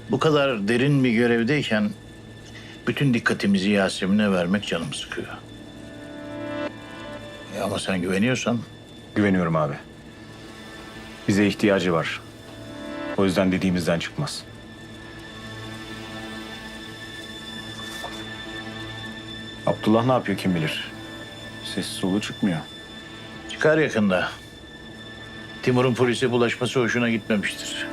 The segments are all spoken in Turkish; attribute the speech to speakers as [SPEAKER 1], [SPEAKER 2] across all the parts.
[SPEAKER 1] Bu kadar derin bir görevdeyken bütün dikkatimizi Yasemin'e vermek canımı sıkıyor. Ama sen güveniyorsan
[SPEAKER 2] Güveniyorum abi. Bize ihtiyacı var. O yüzden dediğimizden çıkmaz. Abdullah ne yapıyor kim bilir. Ses solu çıkmıyor.
[SPEAKER 1] çıkar yakında. Timur'un polise bulaşması hoşuna gitmemiştir.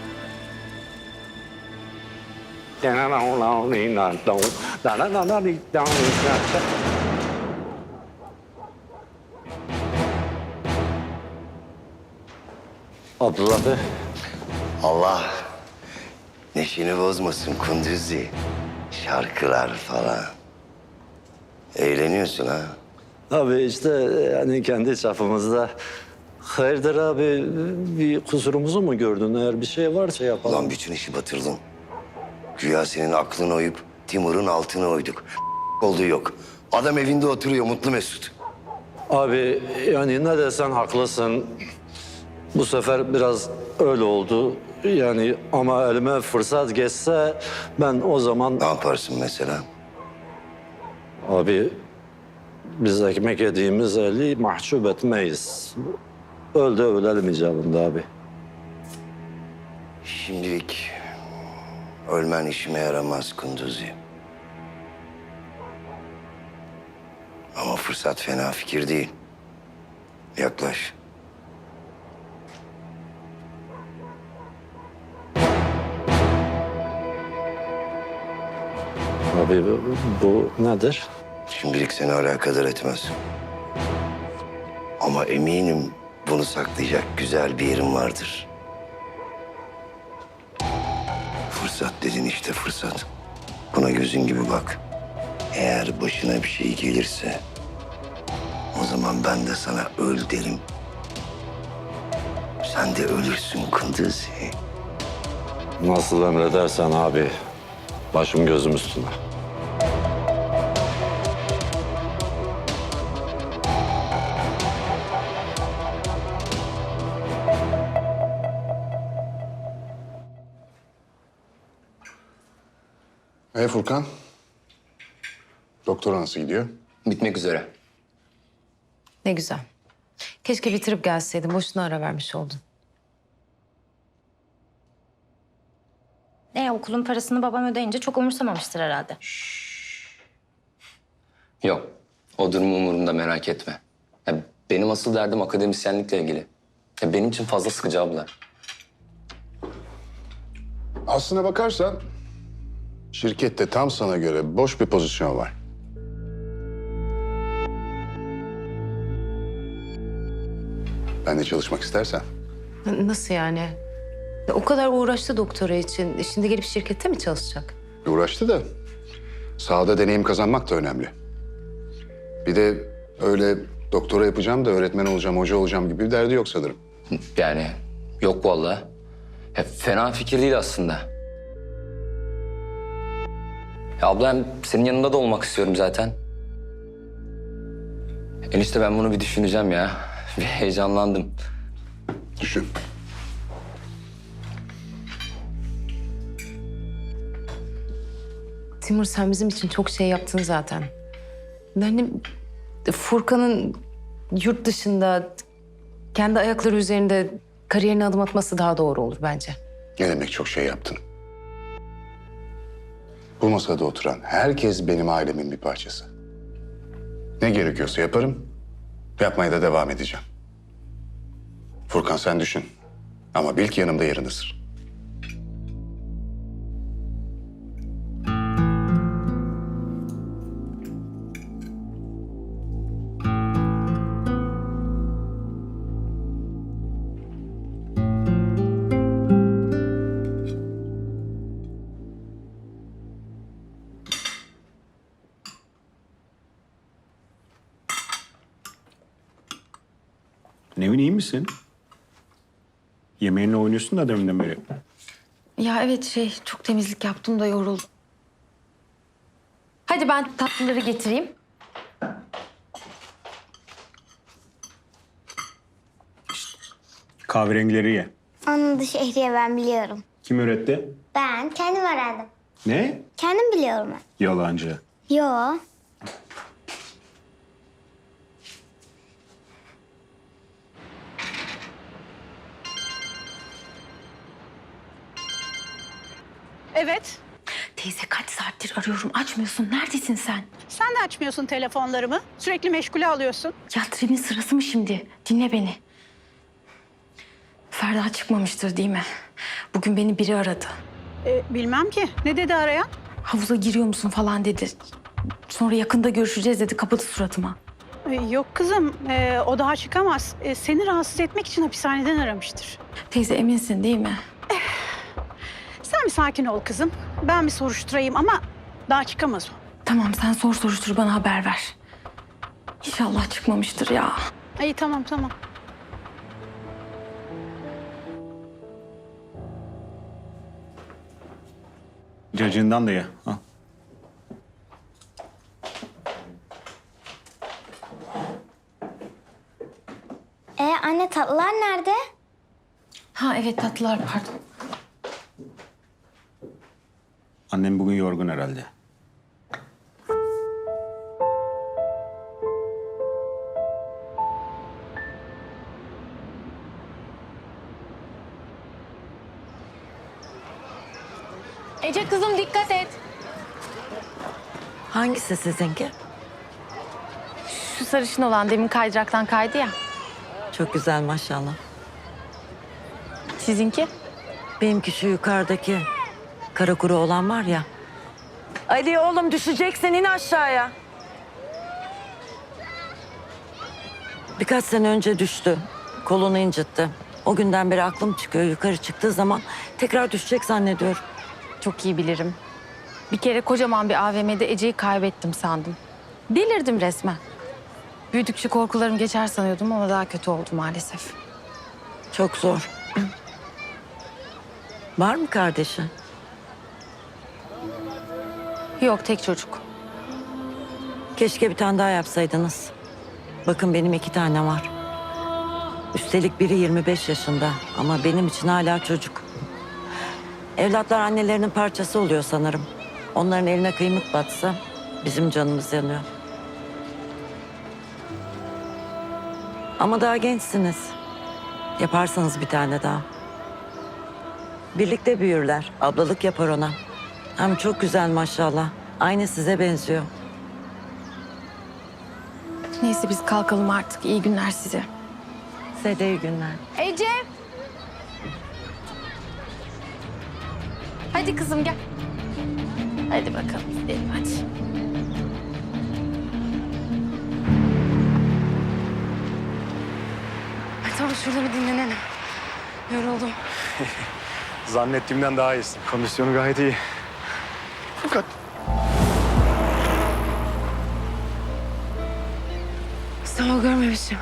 [SPEAKER 3] Abdullah Bey.
[SPEAKER 4] Allah neşeni bozmasın Kunduzi. Şarkılar falan. Eğleniyorsun ha.
[SPEAKER 3] Abi işte yani kendi çapımızda. Hayırdır abi, bir kusurumuzu mu gördün? Eğer bir şey varsa yapalım.
[SPEAKER 4] Ulan bütün işi batırdın. Güya senin aklını oyup Timur'un altını oyduk. Olduğu yok. Adam evinde oturuyor mutlu mesut.
[SPEAKER 3] Abi yani ne desen haklısın. Bu sefer biraz öyle oldu. Yani ama elime fırsat geçse ben o zaman...
[SPEAKER 4] Ne yaparsın mesela?
[SPEAKER 3] Abi biz ekmek yediğimiz eli mahcup etmeyiz. Öl de ölelim icabında abi.
[SPEAKER 4] Şimdilik ölmen işime yaramaz Kunduzi. Ama fırsat fena fikir değil. Yaklaş.
[SPEAKER 3] Abi bu nedir?
[SPEAKER 4] Şimdilik seni alakadar etmez. Ama eminim bunu saklayacak güzel bir yerim vardır. Fırsat dedin işte fırsat. Buna gözün gibi bak. Eğer başına bir şey gelirse... o zaman ben de sana öl derim. Sen de ölürsün Kunduzi.
[SPEAKER 3] Nasıl emredersen abi. Başım gözüm üstüne.
[SPEAKER 5] Furkan. Doktora nasıl gidiyor?
[SPEAKER 6] Bitmek üzere.
[SPEAKER 7] Ne güzel. Keşke bitirip gelseydin. Boşuna ara vermiş oldun.
[SPEAKER 8] Okulun parasını babam ödeyince çok umursamamıştır herhalde.
[SPEAKER 6] Yok. O durum umurumda, merak etme. Ya benim asıl derdim akademisyenlikle ilgili. Ya benim için fazla sıkıcı ablalar.
[SPEAKER 5] Aslına bakarsan şirkette tam sana göre boş bir pozisyon var. Ben de çalışmak istersen.
[SPEAKER 7] Nasıl yani? O kadar uğraştı doktora için. Şimdi gelip şirkette mi çalışacak?
[SPEAKER 5] Uğraştı da sahada deneyim kazanmak da önemli. Bir de öyle doktora yapacağım da öğretmen olacağım, hoca olacağım gibi bir derdi yok sanırım.
[SPEAKER 6] Yani yok vallahi. Ya fena fikir değil aslında. Ya abla hem senin yanında da olmak istiyorum zaten. Enişte ben bunu bir düşüneceğim ya. Bir heyecanlandım.
[SPEAKER 5] Düşün.
[SPEAKER 7] Timur sen bizim için çok şey yaptın zaten. Yani Furkan'ın yurt dışında kendi ayakları üzerinde kariyerine adım atması daha doğru olur bence.
[SPEAKER 5] Ne demek çok şey yaptın? Bu masada oturan herkes benim ailemin bir parçası. Ne gerekiyorsa yaparım, yapmaya da devam edeceğim. Furkan sen düşün. Ama bil ki yanımda yerin ısır.
[SPEAKER 2] Nevin iyi misin? Yemeğinle oynuyorsun da deminden beri.
[SPEAKER 7] Ya evet çok temizlik yaptım da yoruldum. Hadi ben tatlıları getireyim.
[SPEAKER 2] Kahverengileri ye.
[SPEAKER 9] Anladı Şehriye, ben biliyorum.
[SPEAKER 2] Kim üretti?
[SPEAKER 9] Ben kendim öğrendim.
[SPEAKER 2] Ne?
[SPEAKER 9] Kendim biliyorum ben.
[SPEAKER 2] Yalancı.
[SPEAKER 9] Yo.
[SPEAKER 10] Evet.
[SPEAKER 7] Teyze kaç saattir arıyorum açmıyorsun. Neredesin sen?
[SPEAKER 10] Sen de açmıyorsun telefonlarımı. Sürekli meşgule alıyorsun.
[SPEAKER 7] Ya trenin sırası mı şimdi? Dinle beni. Ferda çıkmamıştır değil mi? Bugün beni biri aradı.
[SPEAKER 10] Bilmem ki. Ne dedi arayan?
[SPEAKER 7] Havuza giriyor musun falan dedi. Sonra yakında görüşeceğiz dedi. Kapadı suratıma.
[SPEAKER 10] Yok kızım. O daha çıkamaz. Seni rahatsız etmek için hapishaneden aramıştır.
[SPEAKER 7] Teyze eminsin değil mi?
[SPEAKER 10] Sen bir sakin ol kızım. Ben bir soruşturayım ama daha çıkamaz o.
[SPEAKER 7] Tamam sen soruştur bana haber ver. İnşallah çıkmamıştır ya.
[SPEAKER 10] İyi tamam.
[SPEAKER 2] Cacığından da ye. Al.
[SPEAKER 9] Anne tatlılar nerede?
[SPEAKER 7] Ha evet tatlılar pardon.
[SPEAKER 2] Annem bugün yorgun herhalde.
[SPEAKER 7] Ece kızım dikkat et.
[SPEAKER 11] Hangisi sizinki?
[SPEAKER 7] Şu sarışın olan demin kaydıraktan kaydı ya.
[SPEAKER 11] Çok güzel maşallah.
[SPEAKER 7] Sizinki?
[SPEAKER 11] Benimki şu yukarıdaki kara kuru olan var ya. Ali oğlum düşeceksin in aşağıya. Birkaç sene önce düştü. Kolunu incitti. O günden beri aklım çıkıyor. Yukarı çıktığı zaman tekrar düşecek zannediyorum.
[SPEAKER 7] Çok iyi bilirim. Bir kere kocaman bir AVM'de Ece'yi kaybettim sandım. Delirdim resmen. Büyüdükçe korkularım geçer sanıyordum ama daha kötü oldu maalesef.
[SPEAKER 11] Çok zor. Var mı kardeşi?
[SPEAKER 7] Yok tek çocuk.
[SPEAKER 11] Keşke bir tane daha yapsaydınız. Bakın benim 2 tane var. Üstelik biri 25 yaşında ama benim için hala çocuk. Evlatlar annelerinin parçası oluyor sanırım. Onların eline kıymık batsa bizim canımız yanıyor. Ama daha gençsiniz. Yaparsanız bir tane daha. Birlikte büyürler. Ablalık yapar ona. Hem çok güzel maşallah. Aynı size benziyor.
[SPEAKER 7] Neyse biz kalkalım artık. İyi günler size.
[SPEAKER 11] Size de iyi günler.
[SPEAKER 7] Ece! Hadi kızım gel. Hadi bakalım gidelim hadi. Ay, tamam şurada bir dinlenelim. Yoruldum.
[SPEAKER 2] Zannettiğimden daha iyisin. Kondisyonu gayet iyi. Fakat
[SPEAKER 7] Sağ ol görmemişim.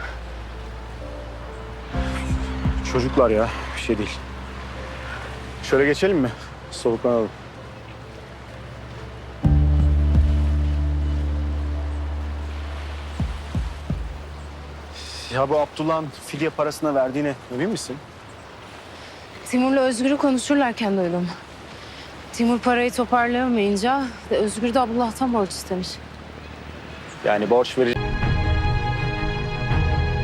[SPEAKER 2] çocuklar ya bir şey değil. Şöyle geçelim mi? Soluklanalım. Ya bu Abdullah'ın fidye parasına verdiğine emin misin?
[SPEAKER 7] Timur'la Özgür'ü konuşurlarken duydum. Timur parayı toparlayamayınca Özgür de Abdullah'tan borç istemiş.
[SPEAKER 2] Yani borç verecek